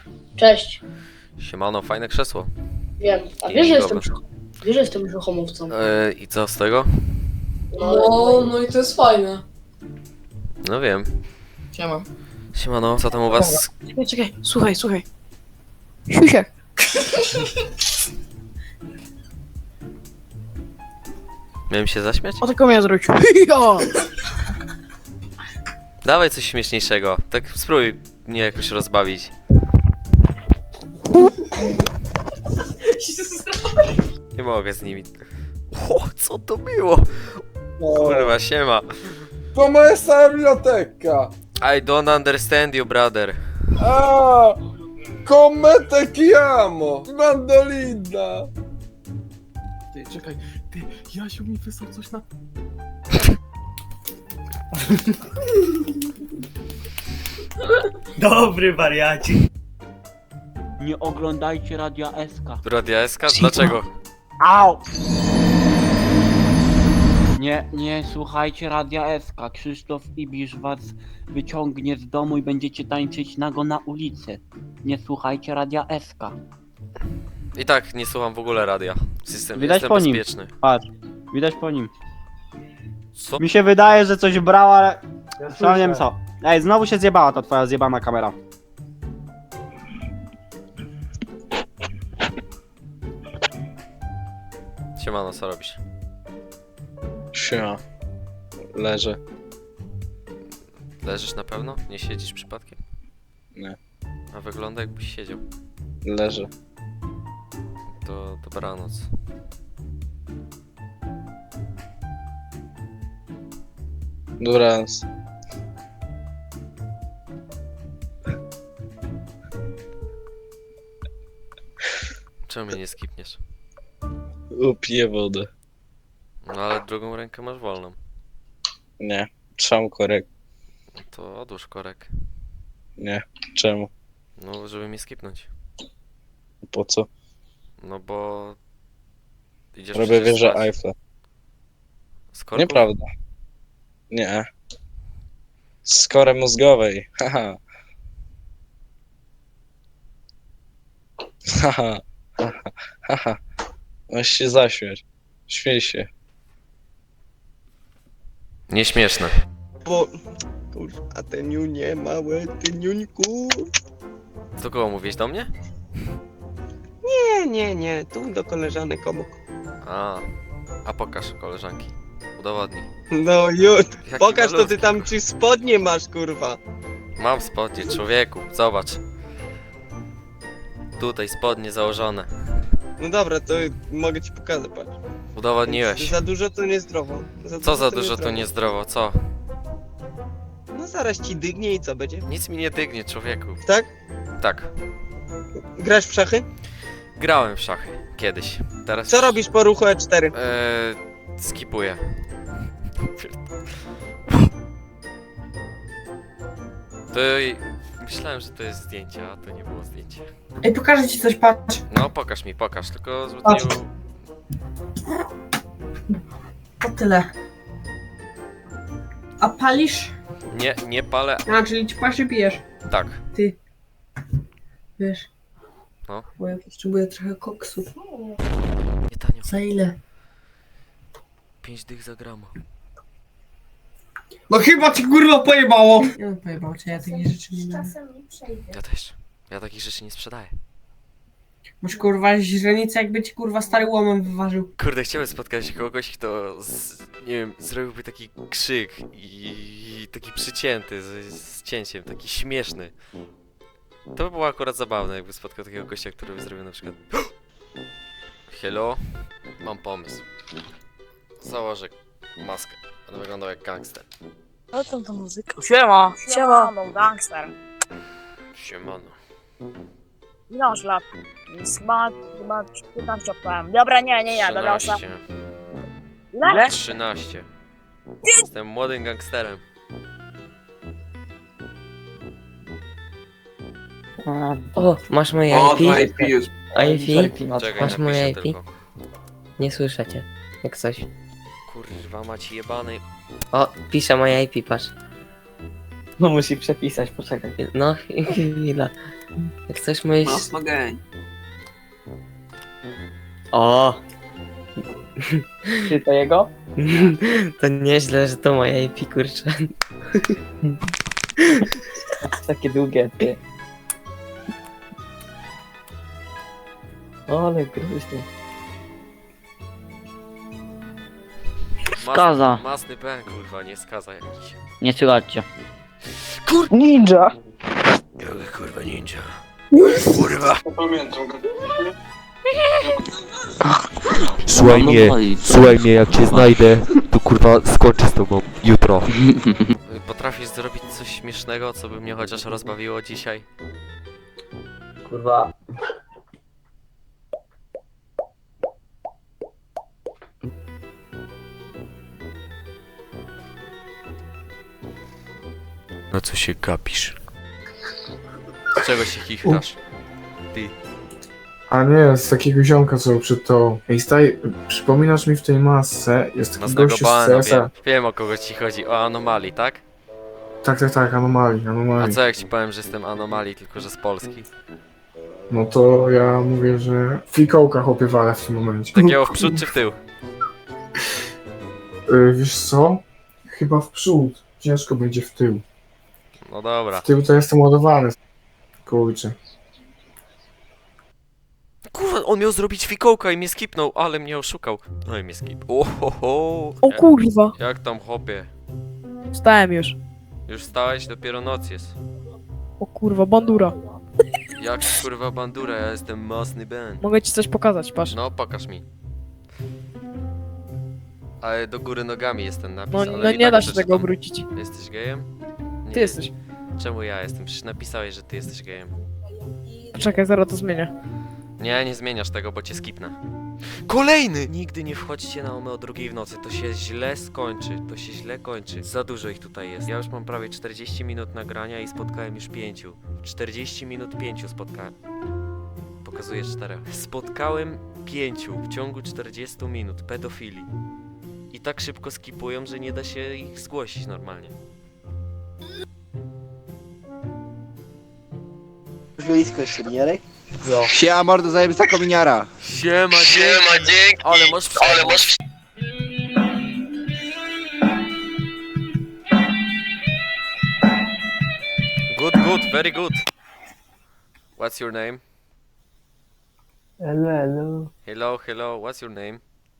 Cześć. Siemano, fajne krzesło. Wiem. A wiesz, że jestem brzuchomówcą? I co z tego? No i to jest fajne. No wiem. Siema. Siemano, co tam u was? Czekaj, słuchaj. Siusiak. Miałem się zaśmiać? O taką miałem zrobić. Dawaj coś śmieszniejszego. Tak spróbuj mnie jakoś rozbawić. Nie mogę z nimi. O, co to było? Kurwa, siema. To moja stara biblioteka. I don't understand you, brother. A, come te chiamo? Mandolina. Ty, czekaj, ty, Jasiu mi wysłał coś na... Dobry wariacie. Nie oglądajcie Radia SK. Radia SK? Dlaczego? Au! Nie słuchajcie Radia SK. Krzysztof Ibisz was wyciągnie z domu i będziecie tańczyć nago na ulicy. Nie słuchajcie Radia SK. I tak nie słucham w ogóle radia. Jestem Widać po nim. bezpieczny. Patrz, widać po nim. Co? Mi się wydaje, że coś brał, ale... Ja nie wiem co. Ej, znowu się zjebała ta twoja zjebana kamera. Siemano, co robisz? Siema. Leżę. Leżysz na pewno? Nie siedzisz przypadkiem? Nie. A wygląda jakbyś siedział. Leżę. To dobranoc. Dobranoc. Czemu mnie nie skipniesz? Upiję wodę. No ale drugą rękę masz wolną. Nie. Trzam korek. No to odłóż korek. Nie. Czemu? No, żeby mnie skipnąć. Po co? No bo... Idziesz Robię przecież wieżę spać. Eiffla. Z korków? Nieprawda. Nie. Z kory mózgowej. Haha. Haha. Haha. Haha. Masz się zaśmiać. Śmiej się. Nieśmieszne. Bo... Kurwa, te niunie małe, ty niuńku. Do kogo mówisz? Do mnie? Nie, tu do koleżanek obok. A pokaż koleżanki. Udowodnij. No już, Jaki pokaż to malutki. ty tam czy spodnie masz, kurwa. Mam spodnie, człowieku. Zobacz. Tutaj spodnie założone. No dobra, to mogę ci pokazać, patrz. Udowodniłeś. Za dużo to niezdrowo. Co za dużo to niezdrowo, co? No zaraz ci dygnie i co będzie? Nic mi nie dygnie, człowieku. Tak? Tak. Grasz w szachy? Grałem w szachy. Kiedyś. Teraz... Co robisz po ruchu E4? Skipuję. To... Myślałem, że to jest zdjęcie, a to nie było zdjęcie. Ej, pokażę ci coś, patrz. No, pokaż mi, pokaż. Tylko zbyt Patrz. nie... To tyle. A palisz? Nie palę. A, czyli ci paszy pijesz. Tak. Ty. Wiesz. No. Bo ja potrzebuję trochę koksu. Nie tanio. Za ile? 5 dych za grama. No chyba ci kurwa pojebało! Nie no, pojebało cię, ja takich rzeczy nie dam. Ja też. Ja takich rzeczy nie sprzedaję. Masz kurwa źrenicę, jakby ci kurwa stary łomem wyważył. Kurde, chciałem spotkać kogoś, kto nie wiem, zrobiłby taki krzyk i taki przycięty z cięciem, taki śmieszny. To by było akurat zabawne, jakby spotkał takiego gościa, który by zrobił na przykład hello, mam pomysł. Założę maskę, będę wyglądał jak gangster. O tam ta muzyka. Siema. No, gangster. Siemano. Ile masz lat? Chyba 15 opowiem. Dobra, nie, do losa. 13. Ile? 13. Jestem młodym gangsterem. O, masz moje IP? IP? Czekaj, Masz moje napiszę IP? tylko. Nie słyszę cię. Jak coś. Kurwa, macie jebany. O, pisze moje IP, patrz. No musi przepisać, poczekaj. No, chwila. Jak coś moje... Mocno geń. O! Czy to jego? To nieźle, że to moje IP, kurczę. Takie długie, ty. O, ale groźny. Skaza. Masny Ben, kurwa, nie skaza jakiś. Nie słuchajcie. Ninja! Kurwa ninja. Słuchaj mnie, jak cię znajdę, to kurwa skończę z tobą jutro. Potrafisz zrobić coś śmiesznego, co by mnie chociaż rozbawiło dzisiaj? Kurwa. No co się gapisz? Czego się chichrasz? Ty. A nie, z takiego ziomka, co przed to. Ej, staj, przypominasz mi w tej masce, jest taki Masnego gościu z bana, CS-a. wiem o kogo ci chodzi, o Anomalii, tak? Tak, anomalii, A anomalii. co jak ci powiem, że jestem Anomalii, tylko że z Polski? No to ja mówię, że fikołka chłopie wale w tym momencie. Takiego w przód czy w tył? Wiesz co? Chyba w przód. Ciężko będzie w tył. No dobra. W tył to jestem ładowany. Kurczę. Kurwa, on miał zrobić fikołka i mnie skipnął, ale mnie oszukał. No i mnie skip. Ohoho. O kurwa! Jak tam chłopie? Stałem już. Już stałeś? Dopiero noc jest. O kurwa, bandura. Jak kurwa bandura, ja jestem Masny Ben. Mogę ci coś pokazać, patrz. No, pokaż mi. Ale do góry nogami jest ten napis, No, ale no i nie tak da się przeczytam. tego obrócić. Jesteś gejem? Nie. Ty jesteś. Czemu ja jestem? Przecież napisałeś, że ty jesteś gejem. Poczekaj, zaraz to zmienię. Nie, nie zmieniasz tego, bo cię skipnę. Kolejny! Nigdy nie wchodźcie na OME o 2 w nocy, to się źle skończy, to się źle kończy. Za dużo ich tutaj jest. Ja już mam prawie 40 minut nagrania i spotkałem już 5. 40 minut 5 spotkałem. Pokazuję 4. Spotkałem 5 w ciągu 40 minut pedofili. I tak szybko skipują, że nie da się ich zgłosić normalnie. Blisko jeszcze, Jarek? Siema, mordo, zajebista kominiara. Siema, dzięki! Ale masz Good, very good. What's your name? Hello, what's your name?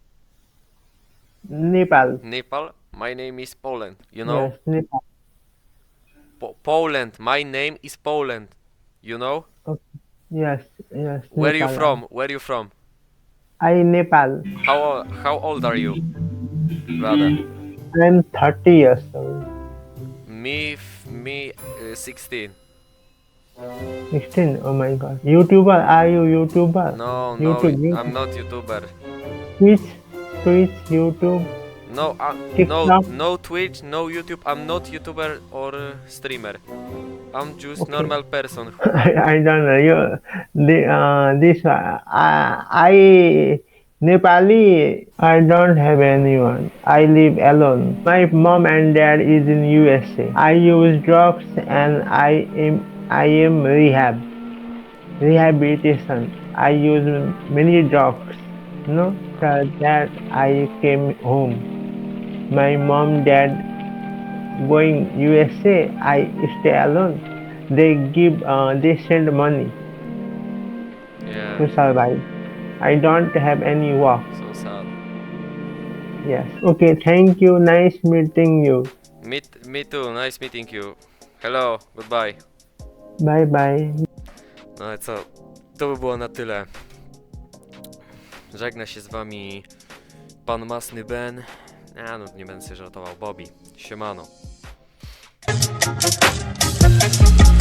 Nepal. Nepal? My name is Poland, you know? Nepal. Poland, my name is Poland, you know? Yes. Where you from? I Nepal. How old are you, brother? I'm 30 years old. Me 16. 16. Oh my god. YouTuber? Are you YouTuber? No, YouTube. I'm not YouTuber. Twitch, YouTube. No, TikTok? no Twitch, no YouTube. I'm not YouTuber or streamer. I'm just Okay. normal person. I don't know. I Nepali. I don't have anyone. I live alone. My mom and dad is in USA. I use drugs and I am rehabilitation. I use many drugs. No, after that I came home. My mom, dad going USA. I stay alone. They send money Yeah, to survive. I don't have any work. so sad. Yes. Okay. Thank you. Nice meeting you. Me too, nice meeting you. Hello, goodbye. Bye bye. No ale co, to by było na tyle. Żegna się z wami pan Masny Ben. No nie będę sobie żartował, Bobby. Siemano.